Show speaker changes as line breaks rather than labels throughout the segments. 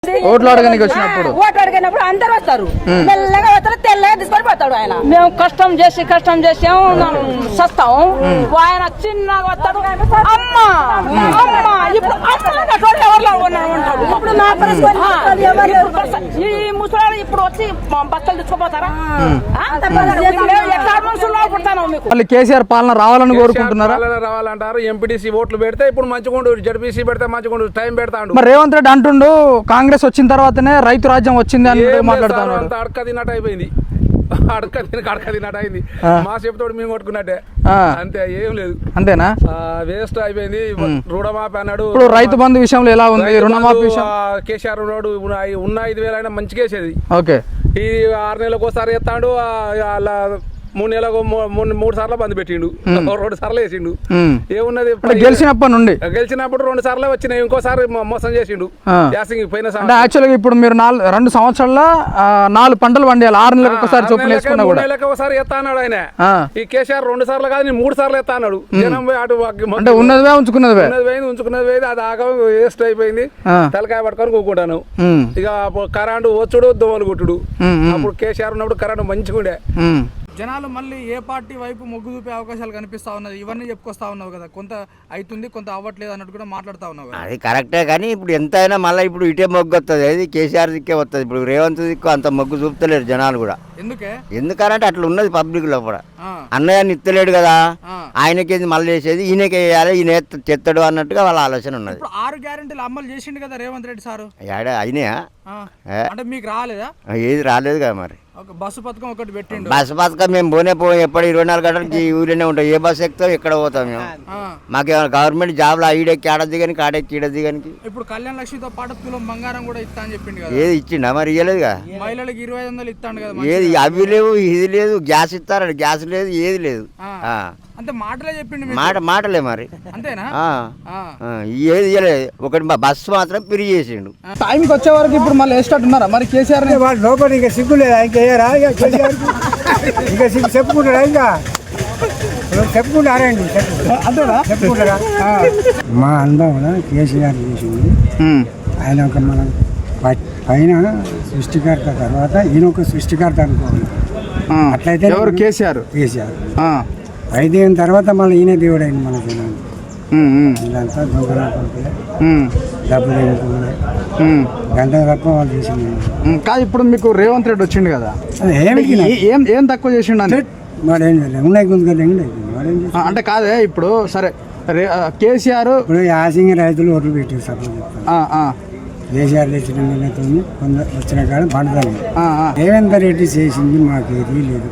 ఓట్లు అడగడానికి వచ్చినప్పుడు
ఓట్లు అడిగినప్పుడు అందరు వస్తారు, మెల్లగా వస్తారు, తెల్లగా తీసుకొని పోతాడు ఆయన.
మేము కష్టం చేసి సస్తాం, ఆయన చిన్నగా వస్తాడు. అమ్మా అమ్మా ఇప్పుడు
ఇప్పుడు నా పరిస్థితి
ఈ ముసలాడు ఇప్పుడు వచ్చి బట్టలు తీసుకుపోతారా? ఎట్లా మనుషులు పుడతాను మీకు?
మళ్ళీ కేసీఆర్ పాలన రావాలని కోరుకుంటున్నారా?
రావాలంటారు. ఎంపీటీసీ ఓట్లు పెడితే ఇప్పుడు మంచిగుండు, జడ్పీసీ పెడితే మంచిగుండు, టైం పెడతాడు.
మరి రేవంత్ రెడ్డి అంటుండు కాంగ్రెస్ వచ్చిన తర్వాతనే రైతు రాజ్యం వచ్చింది అని మాట్లాడుతాను.
అంత అడక తిన్నట్టు అయిపోయింది, అడక తిన్నట్టు అయింది. మా చెప్తాడు మేము కొట్టుకున్నట్టే, అంతే, ఏం లేదు.
అంతేనా?
వేస్ట్ అయిపోయింది. రుణమాఫీ అన్నాడు.
ఇప్పుడు రైతు బంధు విషయంలో ఎలా ఉంది? రుణమాఫీ విషయం
కేసీఆర్ ఉన్నాడు, ఉన్న 5,000 అయినా మంచిగా వేసేది.
ఓకే,
ఈ 6 నెలలకు ఒకసారి ఎత్తాడు, అలా 3 నెలలకు 3 సార్లు బంద్ పెట్టిండు, 2 సార్లు వేసిండు. ఏమున్నది?
గెలిచినప్పటి నుండి
గెలిచినప్పుడు 2 సార్లు వచ్చినాయి, ఇంకోసారి మోసం చేసిండు. పోయిన
యాక్చువల్గా ఇప్పుడు మీరు 2 సంవత్సరాల్లో 4 పంటలు పండియాలి, 6 నెలలకు ఒకసారి చొప్పున వేసుకున్నా కూడా.
3 నెలలకు ఒకసారి ఎత్తా అన్నాడు ఆయన. ఈ కేసీఆర్ 2 సార్లు కాదు, 3 సార్లు ఎత్తా అన్నాడు. జనం పోయి అటు
అంటే ఉన్నదివే ఉంచుకున్నది
ఉంచుకున్నది, అది ఆగ వేస్ట్ అయిపోయింది. తలకాయ పట్టుకొని కూకుంటాను. ఇక కరెంటు వచ్చుడు, దోమలు కొట్టుడు. అప్పుడు కేసీఆర్ ఉన్నప్పుడు కరెంటు మంచిగా ఉండే.
జనాలు మళ్ళీ ఏ పార్టీ వైపు మొగ్గు చూపే అవకాశాలు కనిపిస్తా ఉన్నది? ఇవన్నీ చెప్పుకొస్తా ఉన్నావు కదా, కొంత అవుతుంది కొంత అవ్వట్లేదు అన్నట్టు కూడా మాట్లాడుతా ఉన్నావు.
అది కరెక్టే, కానీ ఇప్పుడు ఎంతైనా మళ్ళీ ఇప్పుడు ఇటే మొగ్గు వస్తుంది, అది కేసీఆర్ దిక్కే వస్తుంది. ఇప్పుడు రేవంత్ దిక్కు అంత మొగ్గు చూపుతలేరు జనాలు కూడా. ఎందుకంటే అట్లా ఉన్నది పబ్లిక్ లో కూడా. అన్నయ్యని ఇస్తలేడు కదా, ఆయనకేది మళ్ళీ చేసేది, ఈయనకి వేయాలి, ఈయన చెత్తడు అన్నట్టుగా వాళ్ళ ఆలోచన ఉన్నది.
6 గ్యారెంటీలు అమలు చేసిండు కదా రేవంత్ రెడ్డి సారు,
అయినాయా?
అంటే మీకు రాలేదా?
ఏది రాలేదు కదా మరి.
బస్సు పథకం ఒకటి పెట్టిండు.
బస్సు పథకం మేము పోయి ఎప్పుడు 24 గంటలకి ఊరినే ఉంటాం. ఏ బస్సు ఎక్కుతాం, ఎక్కడ పోతాం మేము? మాకేమైనా గవర్నమెంట్ జాబ్లో ఈడెక్కి ఆడద్ది కానీ కాడెక్కి ఈడద్ది కానీ.
ఇప్పుడు కళ్యాణ లక్ష్మితో పాటు తులం బంగారం కూడా ఇస్తా అని చెప్పిండు కదా.
ఏది ఇచ్చిండా మరి? ఇవ్వలేదుగా.
మహిళలకు 2500 ఇస్తాడు కదా.
ఏది అవి లేవు, ఇది లేదు, గ్యాస్ ఇస్తారట, గ్యాస్ లేదు, ఏది లేదు.
అంటే మాటలే చెప్పిండు.
మాటలే మరి.
అంతేనా?
ఏది ఇవ్వలేదు. ఒకటి బస్సు మాత్రం ఫ్రీ చేసిండు.
టైంకి వచ్చే వరకు ఇప్పుడు మళ్ళీ వేసేటట్టు ఉన్నారా మరి కేసీఆర్?
లోపల ఇంకా సిగ్గు లేదా? ఇంకేయరా ఇంకా సిగ్గు చెప్పుకుంటారా? ఇంకా చెప్పుకుంటారా? అంతేనా? చెప్పుకుంటారా? మా అనుభవం కేసీఆర్ చేసింది. ఆయన ఒక మన పైన సృష్టికర్త, తర్వాత ఈయన ఒక సృష్టికర్త అనుకోవాలి. అట్లయితే
ఎవరు? కేసీఆర్.
5 ఏళ్ళ తర్వాత మళ్ళీ ఈయన దేవుడు అయింది మన జనాలు. ఇదంతా దొంగలాడుకుంటే డబ్బులు వేసుకున్నాయి, గంట తప్ప వాళ్ళు చేసింది
కాదు. ఇప్పుడు మీకు రేవంత్ రెడ్డి వచ్చిండు కదా, ఏం తక్కువ చేసిండు అని
వాడేం ఉన్నాయి గుంజుకొని
అంటే కాదే. ఇప్పుడు సరే కేసీఆర్
ఇప్పుడు యాసింగ్ రైతులు ఓట్లు పెట్టారు. సపోజ్ కేసీఆర్ తెచ్చిన నీళ్ళతో కొందరు వచ్చిన కాడ పండుతాను. రేవంత్ రెడ్డి చేసింది మాకు ఏది లేదు.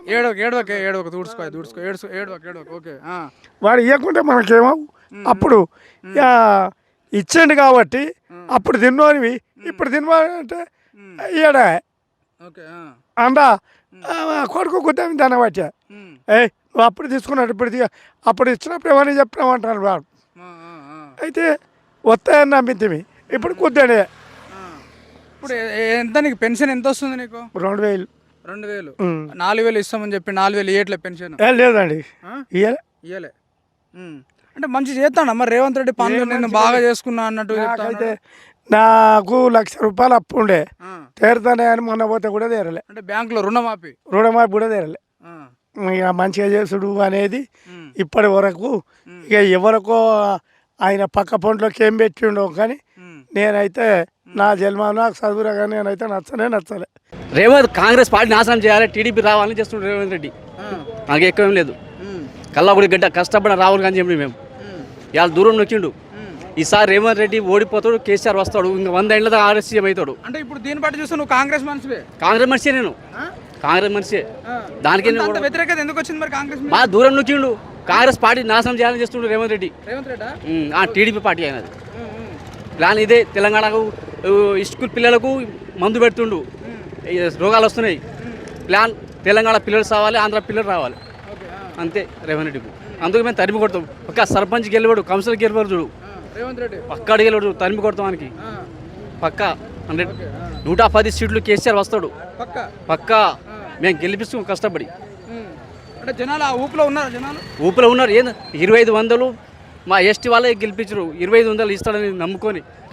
వాడు ఇవ్వకుంటే మనకేమో అప్పుడు ఇచ్చిండు కాబట్టి అప్పుడు తిన్నోనివి ఇప్పుడు తినవాలంటే ఇయ్యడా అందా కొడుకు గుద్దామి దాన్ని వచ్చా. నువ్వు అప్పుడు తీసుకున్నాడు, అప్పుడు ఇచ్చినప్పుడు ఏమని చెప్పినామంటారు వాడు. అయితే వస్తాయని నమ్మింది, ఇప్పుడు కుద్దాడే.
ఇప్పుడు ఎంత నీకు పెన్షన్ ఎంత వస్తుంది నీకు?
2000.
2000. 4000 ఇస్తామని చెప్పి 4000 ఇయ్యట్లే పెన్షన్?
లేదండి,
ఇయ్యలే. అంటే మంచి చేస్తాను మరి రేవంత్ రెడ్డి పనులు, నేను బాగా చేసుకున్నా అన్నట్టు.
అయితే నాకు 1,00,000 రూపాయలు అప్పు ఉండే, తీరుతానే అని మొన్న పోతే కూడా తీరలే.
అంటే బ్యాంకులో రుణమాఫీ
కూడా తీరలే. ఇక మంచిగా చేసుడు అనేది ఇప్పటి వరకు ఇక ఎవరికో ఆయన పక్క పొంట్లోకి ఏం పెట్టిండో, కానీ నేనైతే నా జన్మ నాకు చదువురా, కానీ నేనైతే నచ్చలే.
రేవంత్ కాంగ్రెస్ పార్టీ నాశనం చేయాలి, టీడీపీ రావాలని చేస్తున్నాడు రేవంత్ రెడ్డి. నాకు ఎక్కువ ఏం లేదు, కల్లాగుడి గడ్డ కష్టపడిన రాహుల్ గాంధీ చెప్పి మేము ఇవాళ దూరం నొక్కిండు. ఈసారి రేవంత్ రెడ్డి ఓడిపోతాడు, కేసీఆర్ వస్తాడు, ఇంకా 100 ఏళ్ళ దాకా ఆర్ఎస్సీఎం అవుతాడు.
అంటే ఇప్పుడు దీన్ని బట్టి చూస్తే నువ్వు కాంగ్రెస్ మనిషివే?
కాంగ్రెస్ మనిషే, నేను కాంగ్రెస్ మనిషే. దానికి
వ్యతిరేకత ఎందుకు వచ్చింది మరి? కాంగ్రెస్
బాగా దూరం నొక్కిండు, కాంగ్రెస్ పార్టీ నాశనం చేయాలని చేస్తుండు రేవంత్ రెడ్డి. టీడీపీ పార్టీ అయినది ప్లాన్ ఇదే. తెలంగాణకు స్కూల్ పిల్లలకు మందు పెడుతుండు, రోగాలు వస్తున్నాయి. ప్లాన్ తెలంగాణ పిల్లలు రావాలి, ఆంధ్ర పిల్లలు రావాలి, అంతే రేవంత్ రెడ్డికి. అందుకు మేము తరిమి కొడతాం. పక్క సర్పంచ్ గెలవాడు, కౌన్సిలర్ గెలవాడు చూడు, పక్కాడు గెలవాడు, తరిమి కొడతాం మనకి పక్క 110 సీట్లు కేసీఆర్ వస్తాడు పక్కా. మేము గెలిపిస్తాం కష్టపడి.
అంటే జనాలు ఊపిలో ఉన్నారు, జనాలు
ఊపిలో ఉన్నారు. 2500 మా ఎస్టీ వాళ్ళే గెలిపించరు, 2500 ఇస్తాడని నమ్ముకొని